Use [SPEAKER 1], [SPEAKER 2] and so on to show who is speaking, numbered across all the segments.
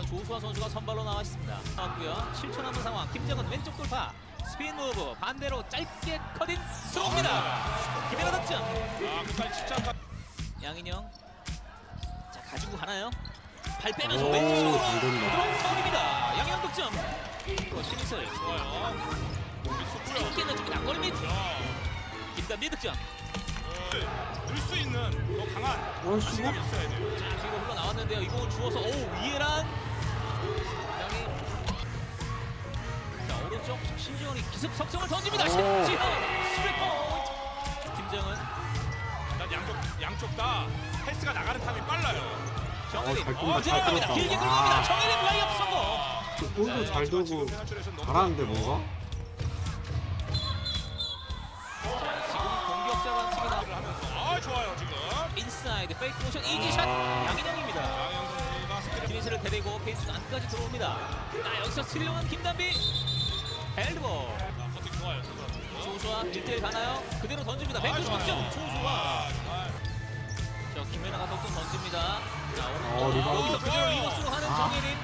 [SPEAKER 1] 오늘은 조수아 선수가 선발로 나와 있습니다. 나왔고요. 7초 남은 상황. 김정은 왼쪽 돌파. 스피인 무브 반대로 짧게 커딘 들어옵니다. 김연아 득점.
[SPEAKER 2] 끝까지 집착한
[SPEAKER 1] 양인영. 자 가지고 가나요? 발 빼면서
[SPEAKER 3] 오,
[SPEAKER 1] 왼쪽으로
[SPEAKER 3] 잘 된다.
[SPEAKER 1] 들어옵니다. 양인영 득점. 신이슬
[SPEAKER 2] 좋아요. 몸이 쑥고요.
[SPEAKER 1] 짧게 넣어주기 낙거리 및 김단비 득점.
[SPEAKER 2] 늘 수 있는 더 강한
[SPEAKER 3] 어이씨.
[SPEAKER 2] 자신감이 있어야 돼요.
[SPEAKER 1] 자 뒤로 흘러 나왔는데요. 이공은 주워서 오 위에란 상당히 자 오른쪽 신지원이 기습 석점을 던집니다.
[SPEAKER 3] 오.
[SPEAKER 1] 신지원 스리트 포인트. 김정은
[SPEAKER 2] 일단 양쪽 다 패스가 나가는 타임이 빨라요.
[SPEAKER 1] 정혜림
[SPEAKER 3] 잘 뛴다, 잘
[SPEAKER 1] 들어갑니다.
[SPEAKER 3] 뛴다.
[SPEAKER 1] 길게
[SPEAKER 3] 와.
[SPEAKER 1] 들어갑니다. 정혜림 라이업 성공.
[SPEAKER 3] 볼도 잘
[SPEAKER 2] 지금
[SPEAKER 3] 들고
[SPEAKER 2] 페널티레이션 너무
[SPEAKER 3] 잘하는데
[SPEAKER 2] 좋고요.
[SPEAKER 3] 뭔가?
[SPEAKER 1] 지금 공격자 반칙이 나
[SPEAKER 2] 를 하면서 좋아요 지금.
[SPEAKER 1] 인사이드 페이크 모션 이지샷 양인영입니다.
[SPEAKER 2] 양영 선수가 스크린
[SPEAKER 1] 기니스를 데리고 페이스 안까지 들어옵니다. 자 여기서 스릴롱한 김단비 헬드볼.
[SPEAKER 2] 커팅 좋아요.
[SPEAKER 1] 조수아 1대1 가나요? 그대로 던집니다. 190점 조수아. 저 김연아가 덕분 던집니다. 자 오른쪽
[SPEAKER 3] 리바운드.
[SPEAKER 1] 여기서 그대로 리버스로 하는
[SPEAKER 3] 아.
[SPEAKER 1] 정혜림.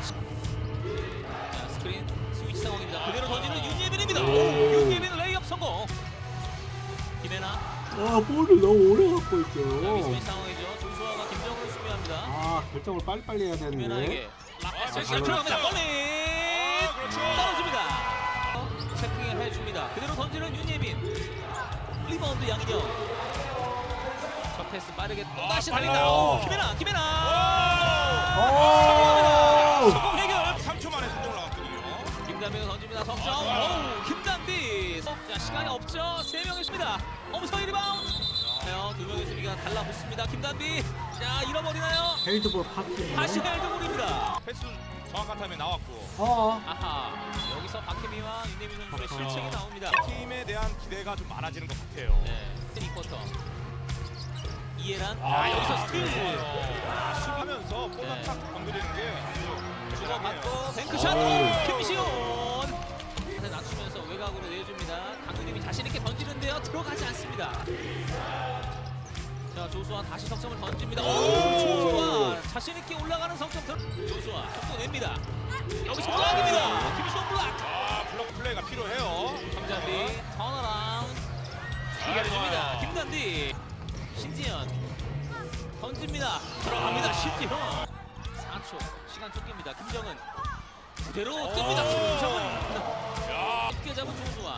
[SPEAKER 1] 자 스크린 스위치 상황입니다. 그대로 던지는 윤예빈입니다.
[SPEAKER 3] 오.
[SPEAKER 1] 윤예빈 레이업 성공. 김연아
[SPEAKER 3] 볼을 너무 오래 갖고 있어요.
[SPEAKER 1] 미스매치 상황이죠. 조수아가 김정을 수비합니다.
[SPEAKER 3] 결정을 빨리빨리 해야 되는데.
[SPEAKER 1] 김연아에게
[SPEAKER 2] 잘
[SPEAKER 1] 들어갑니다.
[SPEAKER 3] 들어갔다.
[SPEAKER 1] 골리
[SPEAKER 2] 그렇죠.
[SPEAKER 1] 떨어집니다. 체킹을 해줍니다. 그대로 던지는 윤예빈. 리바운드 양인영. 첫 패스 빠르게 또 다시 달린다.
[SPEAKER 3] 빨라요.
[SPEAKER 1] 김연아.
[SPEAKER 3] 오!
[SPEAKER 1] 성공 해결.
[SPEAKER 2] 3초 만에 성공을 나왔거든요.
[SPEAKER 1] 김단비가 던집니다. 석점. 오, 김단비. 자 시간이 없죠. 3명 있습니다. 엄성희 리바운드. 두 명의 수비가 달라붙습니다. 김단비. 자 잃어버리나요?
[SPEAKER 3] 헬드볼 파티.
[SPEAKER 1] 다시 헬드볼입니다.
[SPEAKER 2] 패스 정확한 타임에 나왔고
[SPEAKER 1] 아하. 여기서 박혜미와 윤예빈 선수의
[SPEAKER 3] 아하.
[SPEAKER 1] 실책이 나옵니다.
[SPEAKER 2] 팀에 대한 기대가 좀 많아지는 것 같아요.
[SPEAKER 1] 네. 3쿼터. 이해란. 여기서 스틸.
[SPEAKER 2] 수비하면서 볼락탁 건드리는 게 아주
[SPEAKER 1] 주고받고 뱅크샷.
[SPEAKER 3] 오.
[SPEAKER 1] 김시온. 낮추면서 외곽으로 내줍니다. 강근님이 자신 있게 던지는데요. 들어가지 않습니다. 자 조수아 다시 석점을 던집니다. 오 조수아 자신 있게 올라가는 석점. 조수아 속도 냅니다. 여기서 블락입니다. 김시온 블락.
[SPEAKER 2] 블록 플레이가 필요해요.
[SPEAKER 1] 정자비 턴어라운드 해결해줍니다. 김단디 신지현 던집니다. 들어갑니다. 신지현 4초 시간 쫓깁니다. 김정은 그대로 뜹니다. 김정은 쉽게 잡은 조수아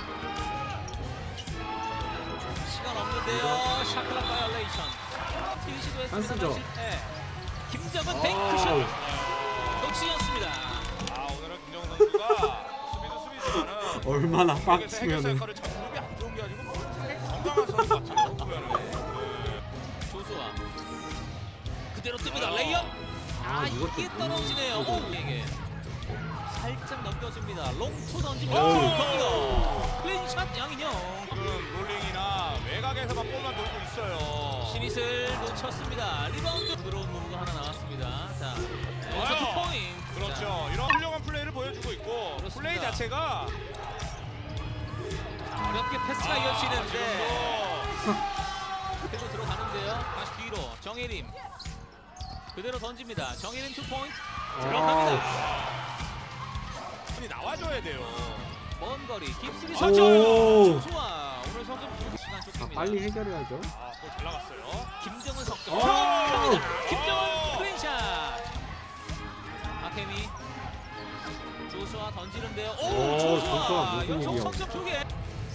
[SPEAKER 1] 시간 없는데요. 샤클락 바이올레이션 티 시도했습니다.
[SPEAKER 3] 찬스죠.
[SPEAKER 1] 실패. 김정은 뱅크샷 역시였습니다.
[SPEAKER 2] 오늘은 김정은 선수가 수비지만은
[SPEAKER 3] 얼마나
[SPEAKER 2] 해결
[SPEAKER 3] 빡치면은.
[SPEAKER 2] 역할을 참 무릎이 안 좋은 게 아니고 상당히 건강한 선수 같아요. 보면은.
[SPEAKER 1] 조수아 그대로 뜹니다. 레이업.
[SPEAKER 3] 이것도
[SPEAKER 1] 이게 떨어지네요. 오에게 살짝 넘겨줍니다. 롱투 던집니다.
[SPEAKER 3] 오.
[SPEAKER 1] 들어갑니다. 클린샷 양인영.
[SPEAKER 2] 지금 롤링이나 외곽에서만 볼만 돌고 있어요.
[SPEAKER 1] 시닛을 놓쳤습니다. 리바운드 들어온 무브가 하나 나왔습니다. 자 여기서 투 포인트.
[SPEAKER 2] 그렇죠. 이런 훌륭한 플레이를 보여주고 있고
[SPEAKER 1] 그렇습니다.
[SPEAKER 2] 플레이 자체가
[SPEAKER 1] 자, 어렵게 패스가 이어지는데
[SPEAKER 2] 지금도
[SPEAKER 1] 그대로 들어가는데요. 다시 뒤로 정혜림 그대로 던집니다. 정혜림 투 포인트 들어갑니다.
[SPEAKER 2] 손이 나와줘야 돼요.
[SPEAKER 1] 먼 거리 깁스리
[SPEAKER 3] 오.
[SPEAKER 1] 석점. 조수아 오늘 석점 시간 쫓깁니다.
[SPEAKER 3] 빨리 해결해야죠.
[SPEAKER 2] 골 잘 나갔어요.
[SPEAKER 1] 김정은 석점.
[SPEAKER 3] 오.
[SPEAKER 1] 들어갑니다. 김정은 클린샷. 박혜미. 조수아 던지는데요. 오,
[SPEAKER 3] 오, 조수아
[SPEAKER 1] 조수아
[SPEAKER 3] 무슨
[SPEAKER 1] 연속
[SPEAKER 3] 일이야.
[SPEAKER 1] 석점 2개.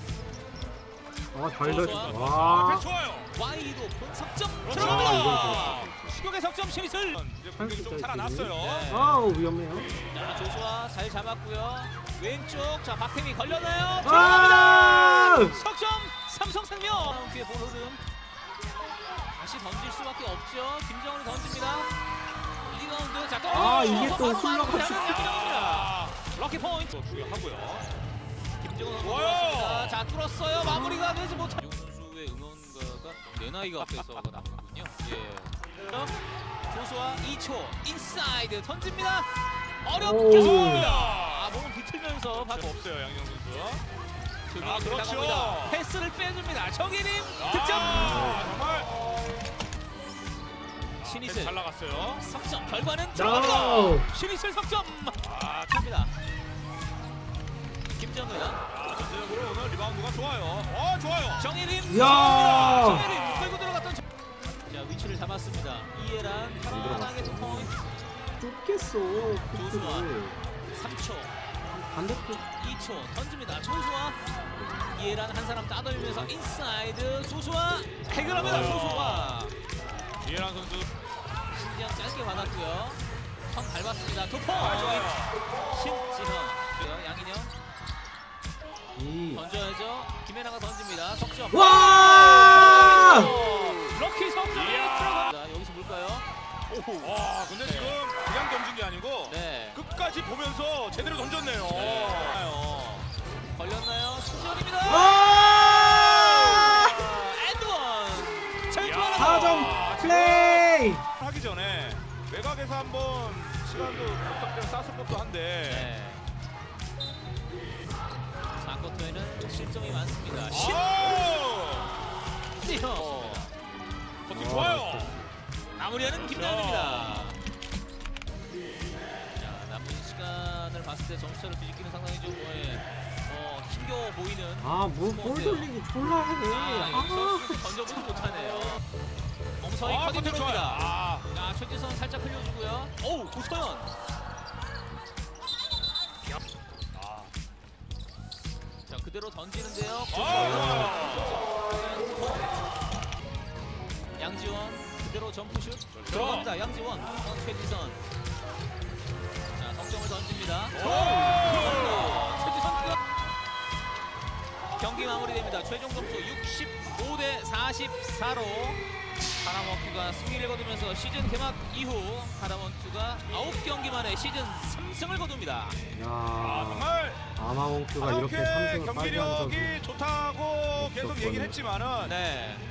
[SPEAKER 3] 잘 던졌다.
[SPEAKER 2] 패스
[SPEAKER 3] 와.
[SPEAKER 2] 좋아요.
[SPEAKER 1] 와이드 오픈 석점
[SPEAKER 2] 그렇죠.
[SPEAKER 1] 들어갑니다. 추격의 석점 신이슬.
[SPEAKER 2] 이제 공격이 좀 살아났어요.
[SPEAKER 1] 네.
[SPEAKER 3] 위험해요.
[SPEAKER 1] 자 조수아 잘 잡았고요. 왼쪽 자 박혜미 걸렸나요?
[SPEAKER 3] 아!
[SPEAKER 1] 들어갑니다. 석점 삼성생명. 뒤에 볼 흐름. 다시 던질 수밖에 없죠. 김정은이 던집니다. 리바운드 자
[SPEAKER 3] 이게 또
[SPEAKER 1] 바로
[SPEAKER 3] 흘러가지고.
[SPEAKER 1] 양인영입니다. 럭키 포인트.
[SPEAKER 2] 또 중요하고요.
[SPEAKER 1] 김정은 선수
[SPEAKER 2] 좋아요.
[SPEAKER 1] 들어왔습니다. 자 뚫었어요. 마무리가 되지 못한. 용 선수의 응원가가 내 나이가 앞에서 나오는군요. 예. 조수아 2초 인사이드 던집니다. 어렵게
[SPEAKER 3] 오.
[SPEAKER 1] 성공합니다. 몸을 비틀면서
[SPEAKER 2] 박 없어요 양경 선수.
[SPEAKER 1] 그렇죠.
[SPEAKER 2] 그렇죠.
[SPEAKER 1] 패스를 빼줍니다. 정혜림 득점.
[SPEAKER 2] 정말 패스
[SPEAKER 1] 신이슬
[SPEAKER 2] 잘 나갔어요.
[SPEAKER 1] 석점 결과는
[SPEAKER 3] No.
[SPEAKER 1] 들어갑니다. 신이슬 석점
[SPEAKER 2] 아,
[SPEAKER 1] 찹니다. 김정은
[SPEAKER 2] 전체적으로 오늘 리바운드가 좋아요. 좋아요.
[SPEAKER 1] 정예림
[SPEAKER 3] 야.
[SPEAKER 1] 정예림 끌고 들어갔던 자 위치를 잡았습니다. 이해란 편안하게 두 포인트
[SPEAKER 3] 좁겠어.
[SPEAKER 1] 조수아.
[SPEAKER 3] 코트를.
[SPEAKER 1] 3초
[SPEAKER 3] 반대쪽.
[SPEAKER 1] 2초 던집니다. 조수아 이해란 한 사람 따돌리면서 인사이드 조수아 해결합니다. 조수아
[SPEAKER 2] 이해란 선수.
[SPEAKER 1] 신지현 짧게 받았고요. 선 밟았습니다. 두
[SPEAKER 2] 좋아요.
[SPEAKER 1] 포인트 신지현 양인영
[SPEAKER 3] 이.
[SPEAKER 1] 던져야죠. 김혜나가 던집니다. 석점.
[SPEAKER 3] 와!
[SPEAKER 1] 럭키 석점이
[SPEAKER 2] 이야.
[SPEAKER 1] 들어갑니다. 여기서 볼까요?
[SPEAKER 2] 와, 근데 지금 그냥 던진 게 아니고
[SPEAKER 1] 네.
[SPEAKER 2] 끝까지 보면서 제대로 던졌네요.
[SPEAKER 1] 걸렸나요? 신지현입니다.
[SPEAKER 3] 와!
[SPEAKER 1] 엔드원. 잘
[SPEAKER 2] 야.
[SPEAKER 1] 좋아라.
[SPEAKER 3] 4점 플레이.
[SPEAKER 2] 하기 전에 외곽에서 한번 시간도 적당히 쌌을 것도 한데.
[SPEAKER 1] 네. 4쿼터에는 실점이 많습니다. 신지현.
[SPEAKER 2] 버팅 좋아요.
[SPEAKER 1] 마무리하는 김나연입니다. 자, 남은 시간을 봤을 때 점수차를 뒤집기는 상당히 좀 힘겨워 보이는.
[SPEAKER 3] 볼 돌리기 졸라 하네.
[SPEAKER 1] 여기서 슛 던져보지 못하네요. 엄서희 커디
[SPEAKER 2] 버팅
[SPEAKER 1] 들어옵니다.
[SPEAKER 2] 좋아요.
[SPEAKER 1] 자, 최지선 살짝 흘려주고요. 오우, 고서연. 자, 그대로 던지는데요. 양지원 그대로 점프슛 들어갑니다. 양지원 최지선. 자, 석점을 던집니다. 최지선 경기 마무리됩니다. 최종 점수 65대 44로 하나원큐가 승리를 거두면서 시즌 개막 이후 하나원큐가 9경기 만에 시즌 3승을 거둡니다.
[SPEAKER 3] 야.
[SPEAKER 2] 정말
[SPEAKER 3] 아마원큐가 이렇게 3승을 빨리 한 적이
[SPEAKER 2] 경기력이 좋다고 계속
[SPEAKER 3] 없었거든요.
[SPEAKER 2] 얘기를 했지만은
[SPEAKER 1] 네.